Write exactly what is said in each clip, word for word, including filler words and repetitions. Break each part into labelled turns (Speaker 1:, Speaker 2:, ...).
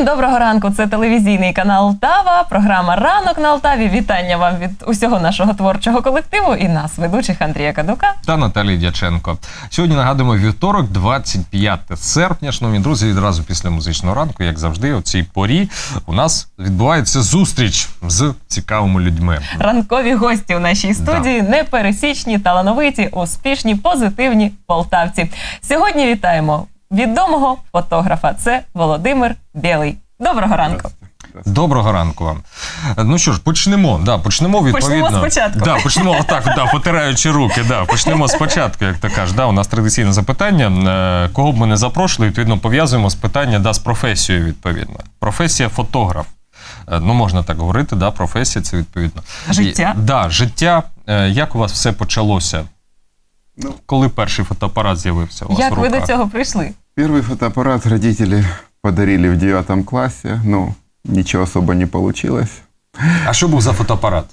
Speaker 1: Всім доброго ранку, це телевізійний канал Алтава, програма «Ранок на Алтаві». Вітання вам від усього нашого творчого колективу і нас, ведучих Андрія Кадука
Speaker 2: та Наталії Дяченко. Сьогодні нагадуємо вівторок, двадцять п'яте серпня. Шановні друзі, відразу після музичного ранку, як завжди, о цій порі у нас відбувається зустріч з цікавими людьми.
Speaker 1: Ранкові гості у нашій студії, да. Непересічні, талановиті, успішні, позитивні полтавці. Сьогодні вітаємо відомого фотографа. Це Володимир Білий. Доброго ранку.
Speaker 2: Доброго ранку вам. Ну що ж, почнемо. Да, почнемо відповідно.
Speaker 1: Почнемо спочатку.
Speaker 2: Да, почнемо отак, да, потираючи руки. Да, почнемо спочатку, як ти кажеш. Да, у нас традиційне запитання. Кого б ми не запрошували, відповідно, пов'язуємо з питання да, з професією, відповідно. Професія фотограф. Ну, можна так говорити, да, професія це відповідно.
Speaker 1: Життя.
Speaker 2: І, да, життя. Як у вас все почалося? Ну, коли перший фотоапарат з'явився у вас
Speaker 1: як
Speaker 2: в руках?
Speaker 1: ви до цього прийшли?
Speaker 3: Первый фотоаппарат родители подарили в девятом классе, но ничего особо не получилось.
Speaker 2: А що був за фотоапарат?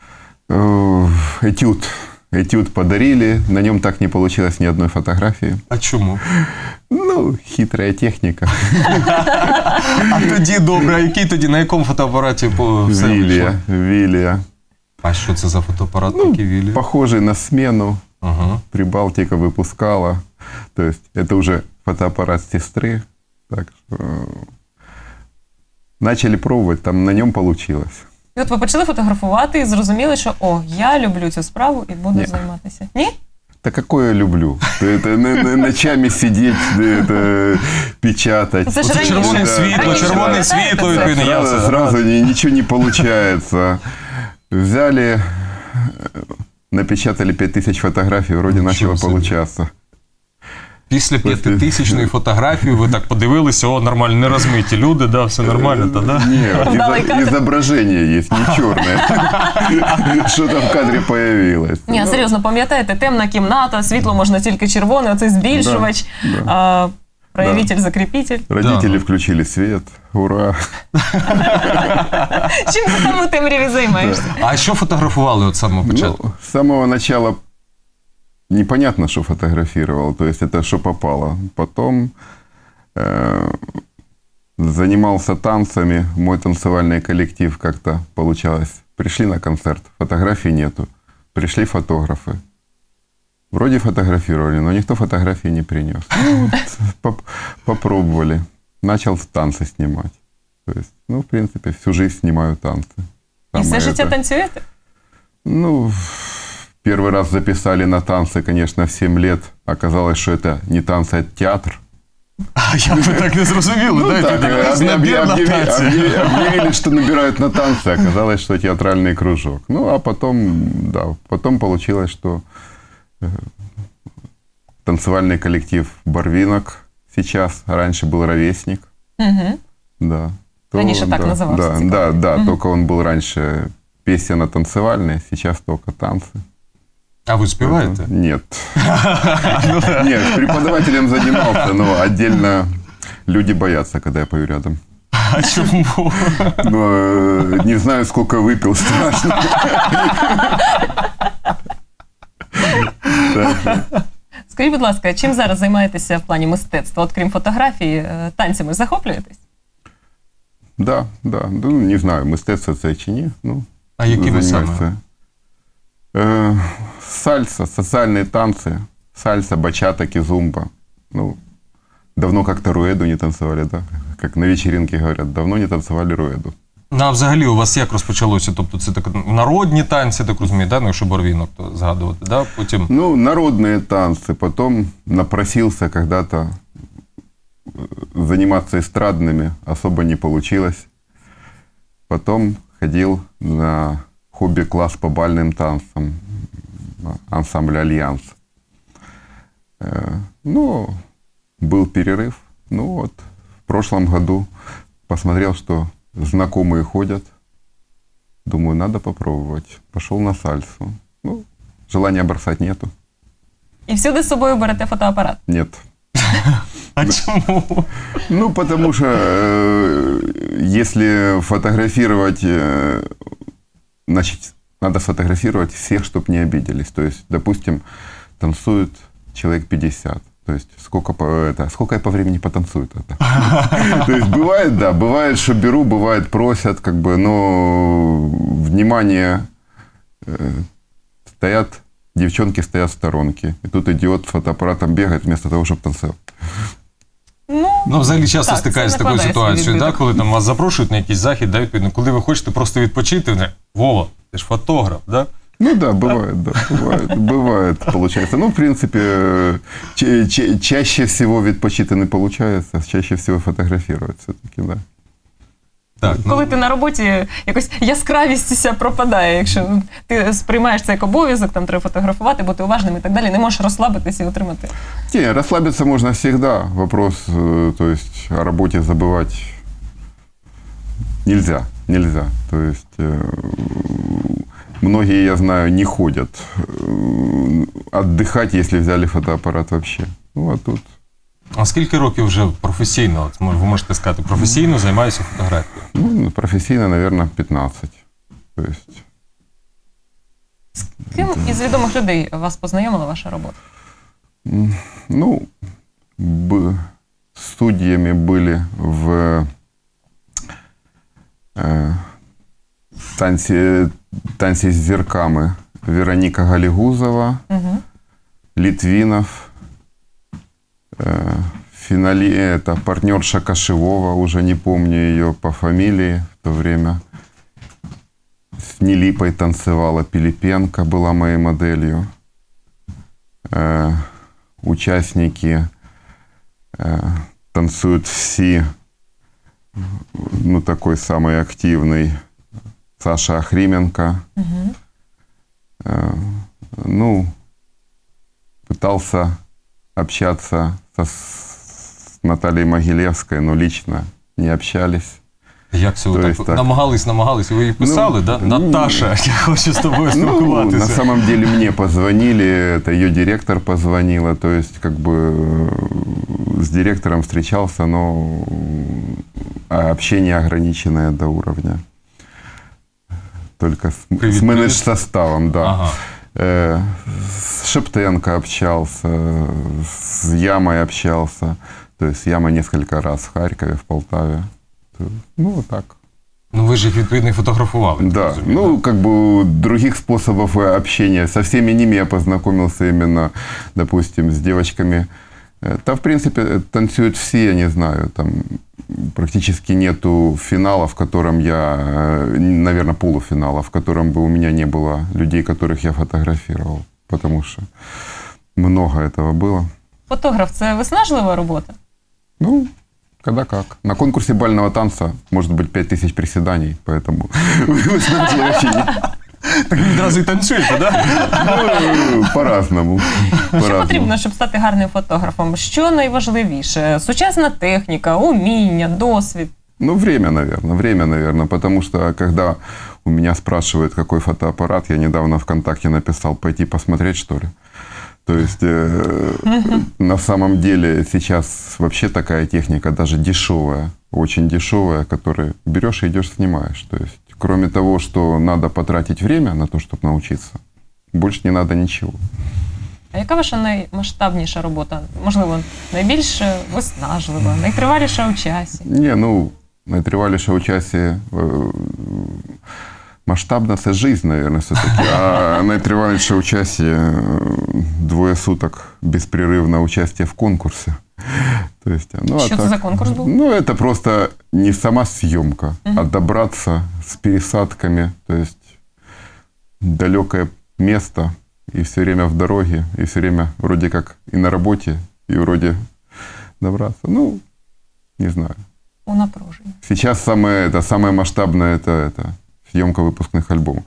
Speaker 3: Этюд. Этюд подарили, на нем так не получилось ни одной фотографии.
Speaker 2: А чому?
Speaker 3: Ну, хитрая техника.
Speaker 2: А тоді, добре, а який тоді, на якому фотоапараті все
Speaker 3: Вилия, Вилия.
Speaker 2: А що це за фотоапарат
Speaker 3: ну,
Speaker 2: такий Вилия?
Speaker 3: Похожий на смену.
Speaker 2: Ага.
Speaker 3: Прибалтика выпускала. То есть это уже фотоаппарат сестры. Так что начали пробовать, там на нем получилось.
Speaker 1: І от ви почали фотографувати і зрозуміли, що о, я люблю цю справу і буду
Speaker 3: Ні.
Speaker 1: займатися. Ні?
Speaker 3: Да какое я люблю? Это ночами сидеть, это печатать.
Speaker 1: Це ж раніше.
Speaker 2: Червоне світло, червоне світло, відповідно. я
Speaker 3: Сразу,
Speaker 2: все-
Speaker 3: сразу ни- ничего не получается. Взяли, напечатали пять тысяч фотографий, вроде
Speaker 2: Ничего
Speaker 3: начало
Speaker 2: себе.
Speaker 3: получаться.
Speaker 2: Після п'ятитисячної фотографії ви так подивилися, о, нормально, не розмиті люди, да, все нормально, то да?
Speaker 3: Нет,
Speaker 1: Вдалый
Speaker 3: изо-
Speaker 1: кадр.
Speaker 3: изображение есть, не черное. Что-то в кадре появилось.
Speaker 1: Ні,
Speaker 3: Ну,
Speaker 1: серйозно, пам'ятаєте, темна кімната, світло можна тільки червоне, оцей збільшувач,
Speaker 3: Да,
Speaker 1: а, проявитель, закріпитель.
Speaker 3: Родители
Speaker 2: Да.
Speaker 3: включили свет, ура.
Speaker 1: Чим ти там у темряві займаєшся?
Speaker 2: А що фотографували от самого початку?
Speaker 3: Ну, с самого начала непонятно, что фотографировал, то есть это что попало. Потом э, занимался танцами, мой танцевальный коллектив как-то получалось. Пришли на концерт, фотографий нету. Пришли фотографы. Вроде фотографировали, но никто фотографии не принес. Ну, вот, поп- попробовали. Начал танцы снимать. То есть, ну, в принципе, всю жизнь снимаю танцы.
Speaker 1: І
Speaker 3: Самое
Speaker 1: все життя
Speaker 3: это-
Speaker 1: танцюєте?
Speaker 3: Ну, первый раз записали на танцы, конечно, в семь лет. Оказалось, что это не танцы, а театр.
Speaker 2: А як ви так не зрозуміли?
Speaker 3: Ну,
Speaker 2: да,
Speaker 3: так,
Speaker 2: відповідно,
Speaker 3: объ-
Speaker 2: набір
Speaker 3: объ-
Speaker 2: на
Speaker 3: объявили,
Speaker 2: танці.
Speaker 3: объявили- объявили, что набирают на танцы. Оказалось, что театральный кружок. Ну, а потом, да, потом получилось, что э, танцевальный коллектив «Барвинок» сейчас, раньше был «Ровесник».
Speaker 1: Угу.
Speaker 3: Да.
Speaker 1: Раньше так
Speaker 3: да,
Speaker 1: назывался
Speaker 3: Да,
Speaker 1: цикл.
Speaker 3: да, да,
Speaker 1: Мгм.
Speaker 3: только он был раньше песенно-танцевальный, сейчас только танцы.
Speaker 2: А ви співаєте?
Speaker 3: Нет. Нет, преподавателем занимался, но отдельно люди боятся, когда я пою рядом.
Speaker 2: А чому?
Speaker 3: Но э, не знаю, сколько выпил, страшно. Так что,
Speaker 1: Скажіть, будь ласка, чим зараз займаєтеся в плані мистецтва? От крім фотографії, е, танцями захоплюєтесь?
Speaker 3: Да, да, ну, не знаю, мистецтво це чи ні. Ну,
Speaker 2: А які ви
Speaker 3: займаюся.
Speaker 2: саме?
Speaker 3: Э, Сальса, социальные танцы, сальса, бачата, кизумба. Ну, давно как-то руэду не танцевали, да? Как на вечеринке говорят, давно не танцевали руэду.
Speaker 2: Ну, а взагалі у вас як розпочалося? Тобто це так народні танці, так розумію, да? Ну, якщо Барвінок, то згадувати, да? Потім...
Speaker 3: Ну, народные танцы. Потом напросился когда-то э, заниматься эстрадными, особо не получилось. Потом ходил на хобби-класс по бальным танцам, ансамбль «Альянс». Э, Ну, был перерыв. Ну вот, в прошлом году посмотрел, что знакомые ходят. Думаю, надо попробовать. Пошел на сальсу. Ну, желания бросать нету.
Speaker 1: І всюди з собою берете фотоапарат?
Speaker 3: Нет.
Speaker 2: А чому?
Speaker 3: Ну, потому что э, если фотографировать, э, значит, надо сфотографировать всех, чтобы не обиделись. То есть, допустим, танцуют человек пятьдесят. То есть сколько, по, это, сколько я по времени потанцую. То есть бывает, да, бывает, что беру, бывает просят, как бы, но внимание, стоят, девчонки стоят в сторонке. И тут идиот с фотоаппаратом бегает вместо того, чтобы танцевать.
Speaker 1: Ну,
Speaker 2: Ну, взагалі часто
Speaker 1: так,
Speaker 2: стикаюся з
Speaker 1: це
Speaker 2: такою
Speaker 1: накладає
Speaker 2: ситуацією,
Speaker 1: свій
Speaker 2: да,
Speaker 1: відбиток.
Speaker 2: коли там вас запрошують на якийсь захід, да, відповідно, коли ви хочете просто відпочити, вони, Вова, ти ж фотограф, да?
Speaker 3: Ну да, бывает, да, бывает, бывает, получается. Ну, в принципе, ча- ча- чаще всего відпочити не получается, чаще всего фотографировать все-таки, да.
Speaker 2: Так, ну,
Speaker 1: Коли ти на роботі, якось яскравість вся пропадає, якщо ти сприймаєш це як обов'язок, там треба фотографувати, бути уважним і так далі, не можеш розслабитися і отримати.
Speaker 3: Не, расслабиться можно всегда. Вопрос, э, то есть, о работе забывать нельзя, нельзя. То есть, э, многие, я знаю, не ходят э, отдыхать, если взяли фотоаппарат вообще. Ну, а тут...
Speaker 2: а скільки років вже професійно, от, ви можете сказати, професійно займаюся фотографією?
Speaker 3: Ну, профессийно, наверное, пятнадцать. То есть...
Speaker 1: З ким із відомих людей вас познайомила ваша робота?
Speaker 3: М, Ну, б- судьями были в э, танце, танце с зерками Вероника Галигузова,
Speaker 1: Угу.
Speaker 3: Литвинов, э, финали, это партнерша Кашевова, уже не помню ее по фамилии в то время. С Нелипой танцевала, Пилипенко была моей моделью. Э, участники э, танцуют все, ну, такой самый активный Саша Охрименко.
Speaker 1: Угу.
Speaker 3: Э, ну, пытался общаться со, с Натальей Могилевской, но лично не общались.
Speaker 2: Як це ви
Speaker 3: То
Speaker 2: так,
Speaker 3: есть так.
Speaker 2: намагались, намагались, і ви їй писали,
Speaker 3: Ну,
Speaker 2: да?
Speaker 3: ні.
Speaker 2: Наташа, я хочу з тобою
Speaker 3: Ну, на
Speaker 2: спілкуватися.
Speaker 3: самом деле мне позвонили, это ее директор позвонила, то есть как бы э, с директором встречался, но э, общение ограниченное до уровня. Только с,
Speaker 2: Привет,
Speaker 3: с
Speaker 2: привет.
Speaker 3: менедж-составом, да.
Speaker 2: Ага.
Speaker 3: Э, с Шептенко общался, с Ямой общался, то есть с Ямой несколько раз в Харькове, в Полтаве. То- Ну, вот так.
Speaker 2: Ну ви ж їх відповідно і фотографували.
Speaker 3: Да,
Speaker 2: розумію,
Speaker 3: ну, как бы других способов э, общения. Со всеми ними я познакомился именно, допустим, с девочками. Э, Да, в принципе, танцуют все, я не знаю, там практически нету финала, в котором я, э, наверное, полуфинала, в котором бы у меня не было людей, которых я фотографировал, потому что много этого было.
Speaker 1: Фотограф – це виснажлива робота?
Speaker 3: Ну, когда как. На конкурсе бального танца может быть пять тысяч приседаний, поэтому вы знаете, вообще не-
Speaker 2: Так ви відразу і танцюєте, да?
Speaker 3: Ну, по-разному.
Speaker 1: Що
Speaker 3: По-разному.
Speaker 1: потрібно, щоб стати гарним фотографом? Що найважливіше? Сучасна техніка, уміння, досвід?
Speaker 3: Ну, время, наверное, время, наверное, потому что, когда у меня спрашивают, какой фотоаппарат, я недавно ВКонтакте написал, пойти посмотреть, что ли. То есть, э, на самом деле, сейчас вообще такая техника, даже дешевая, очень дешевая, которую берешь и идешь снимаешь. То есть, кроме того, что надо потратить время на то, чтобы научиться, больше не надо ничего.
Speaker 1: А яка ваша наймасштабніша робота? Можливо, найбільш виснажлива, найтриваліша у часі?
Speaker 3: Не, ну, наитривалейше участие, э, масштабно это жизнь, наверное, все-таки. А наитривалейше участие э, двое суток беспрерывно участие в конкурсе. То есть, ну, а
Speaker 1: Що це
Speaker 3: так-
Speaker 1: за конкурс був?
Speaker 3: Ну, это просто не сама съемка, а добраться с пересадками, то есть далекое место, и все время в дороге, и все время вроде как и на работе, и вроде добраться. Ну, не знаю.
Speaker 1: У напруженні.
Speaker 3: Сейчас самое, это, самое масштабное это, это съемка выпускных альбомов.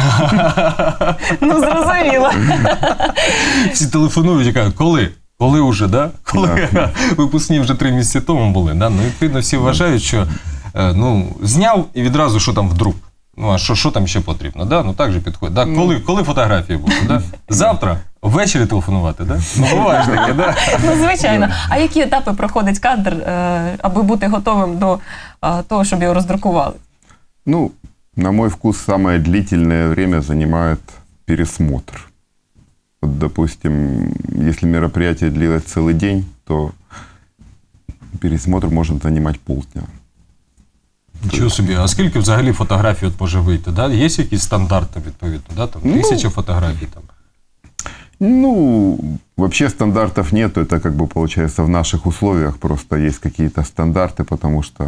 Speaker 1: Ну, зрозуміло.
Speaker 2: Всі телефонують і кажуть, коли? Коли вже, да? Коли
Speaker 3: Да.
Speaker 2: випускні вже три місяці тому були, да? Ну, відповідно, всі вважають, що е, ну, зняв і відразу, що там вдруг. Ну, а що, що там ще потрібно, да? Ну, так же підходить. Да? Коли, коли фотографії будуть, да? Завтра? Ввечері телефонувати, да? Ну, буває ж таке, да?
Speaker 1: Ну, звичайно. А які етапи проходить кадр, е, аби бути готовим до е, того, щоб його роздрукували?
Speaker 3: Ну, на мой вкус, самое длительное время занимает пересмотр. Вот, допустим, если мероприятие длилось целый день, то пересмотр может занимать полдня.
Speaker 2: Нічого собі. А скільки взагалі фотографій от може вийти? Да? Є якісь стандарти, відповідно? Да? Там, тисяча ну, фотографій там?
Speaker 3: Ну, вообще стандартов нету. Это как бы получается в наших условиях просто есть какие-то стандарты, потому что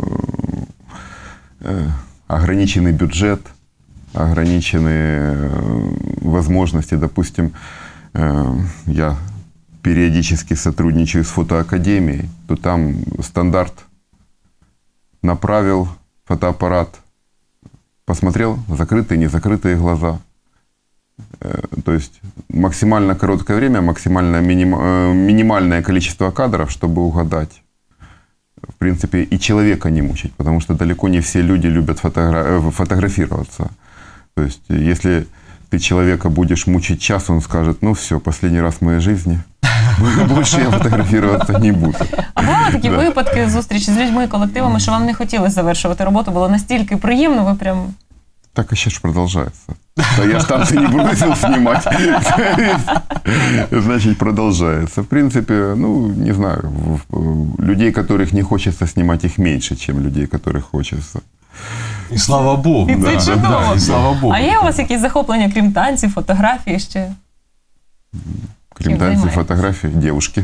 Speaker 3: э, ограниченный бюджет, ограниченные возможности. Допустим, э, я периодически сотрудничаю с фотоакадемией, то там стандарт направил фотоаппарат, посмотрел закрытые, незакрытые глаза. То есть максимально короткое время, максимально миним, минимальное количество кадров, чтобы угадать. В принципе, и человека не мучить, потому что далеко не все люди любят фотогра- фотографироваться. То есть если ты человека будешь мучить час, он скажет, ну все, последний раз в моей жизни, больше я фотографироваться не буду.
Speaker 1: А бували такі да. випадки зустрічі з людьми, колективами, що вам не хотілося завершувати роботу, було настільки приємно, ви прям...
Speaker 3: Так и сейчас продолжается. Да я станции не бросил снимать. Значит, продолжается. В принципе, ну, не знаю, людей, которых не хочется снимать, их меньше, чем людей, которых хочется.
Speaker 2: І слава Богу.
Speaker 1: І це
Speaker 2: да,
Speaker 1: чудово.
Speaker 2: Да, і слава Богу.
Speaker 1: А є у вас якісь захоплення, крім танців, фотографії ще?
Speaker 3: Крім танців, фотографії, дівчатки.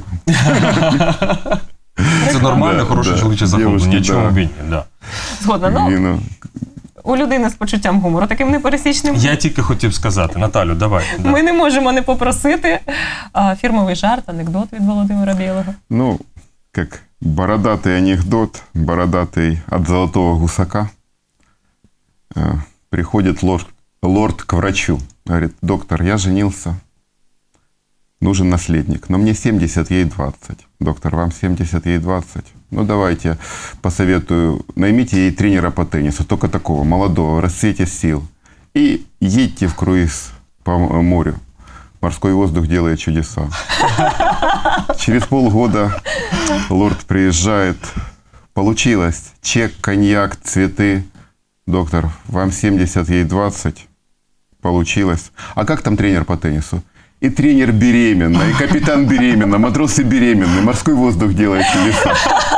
Speaker 2: Це нормально, хороше чоловіче захоплення, нічого б ні.
Speaker 1: Згодна, ну... У людини з почуттям гумору, таким непересічним.
Speaker 2: Я тільки хотів сказати. Наталю, давай.
Speaker 1: Ми да. не можемо не попросити а, фірмовий жарт, анекдот від Володимира Білого.
Speaker 3: Ну, як бородатий анекдот, бородатий від золотого гусака. Э, приходит лорд, лорд к врачу. Говорит, доктор, я женился. Нужен наследник. Но мне семьдесят, ей двадцать. Доктор, вам семьдесят, ей двадцать. Ну, давайте посоветую, наймите ей тренера по теннису, только такого, молодого, в расцвете сил. И едьте в круиз по морю. Морской воздух делает чудеса. Через полгода лорд приезжает. Получилось. Чек, коньяк, цветы. Доктор, вам семьдесят, ей двадцать. Получилось. А как там тренер по теннису? И тренер беременна, и капитан беременна, матросы беременны, морской воздух делает чудеса.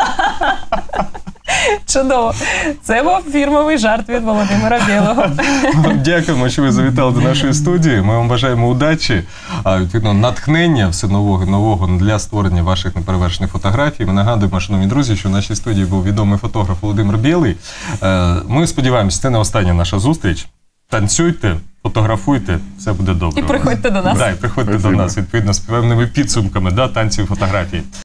Speaker 1: Чудово. Це був фірмовий жарт від Володимира Білого.
Speaker 2: Дякуємо, що ви завітали до нашої студії. Ми вам бажаємо удачі, відповідно, натхнення все нового і нового для створення ваших неперевершених фотографій. Ми нагадуємо, шановні друзі, що в нашій студії був відомий фотограф Володимир Білий. Ми сподіваємося, це не остання наша зустріч. Танцюйте, фотографуйте, все буде добре.
Speaker 1: І приходьте до нас.
Speaker 2: Да, і приходьте Спасибо. до нас, відповідно, з певними підсумками да, танців і фотографій.